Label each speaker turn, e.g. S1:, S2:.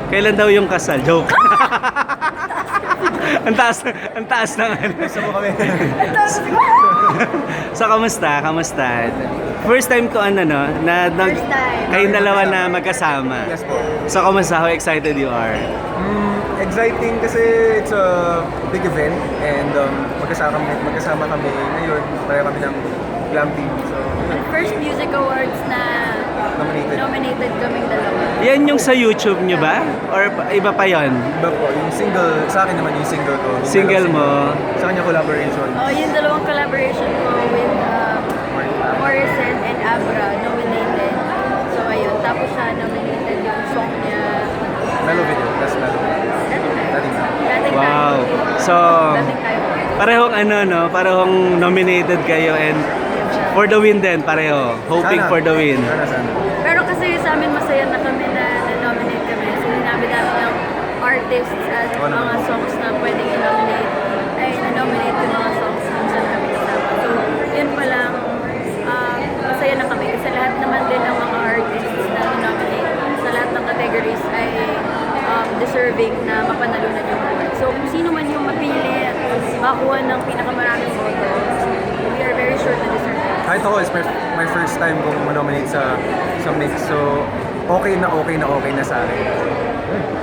S1: Kailan daw yung kasal? Joke. Ang taas ng ano.
S2: Gusto mo kami.
S1: So, kamusta? First time to ano, no?
S3: First time.
S1: Kayong dalawa na magkasama.
S2: Yes po.
S1: So, kamusta? How excited you are?
S2: Exciting kasi it's a big event and magkasama kami ngayon. Pareho kami ng Glam TV. So,
S3: First music awards na nominated kaming dalawa.
S1: Yan yung sa YouTube nyo ba? Or iba pa yon?
S2: iba po, yung single, sa akin naman yung single ko. Yung
S1: Single
S2: dalawang
S1: mo?
S2: Sa kanya collaboration.
S3: Oh, yung dalawang collaboration ko with Morrison and Abra nominated. So ayun, tapos siya nominated yung song niya.
S2: Mellow video, that's mellow video. Dating na.
S3: Dating
S1: Wow.
S3: Tayo.
S1: So,
S3: Dating tayo.
S1: parehong ano, no? Parehong nominated kayo and for the win din, pareho. Hoping
S2: Sana.
S1: for the win.
S2: Sana.
S3: Pero kasi sa amin masaya na kami na nominate kami. So sinabi namin ng artists at
S2: Oo
S3: mga
S2: naman.
S3: songs na pwedeng i-nominate ay na-nominate yung mga songs kung saan kami kasama. So yun pa lang, masaya na kami kasi lahat naman din ng mga artists na nominate sa lahat ng categories ay deserving na mapanalunan yung award. So kung sino man yung mapili at makakuha ng pinakamaraming boto, we are very sure to deserve it.
S2: Kahit ako, it's my first time kong manominate sa mix. So, okay na sa akin.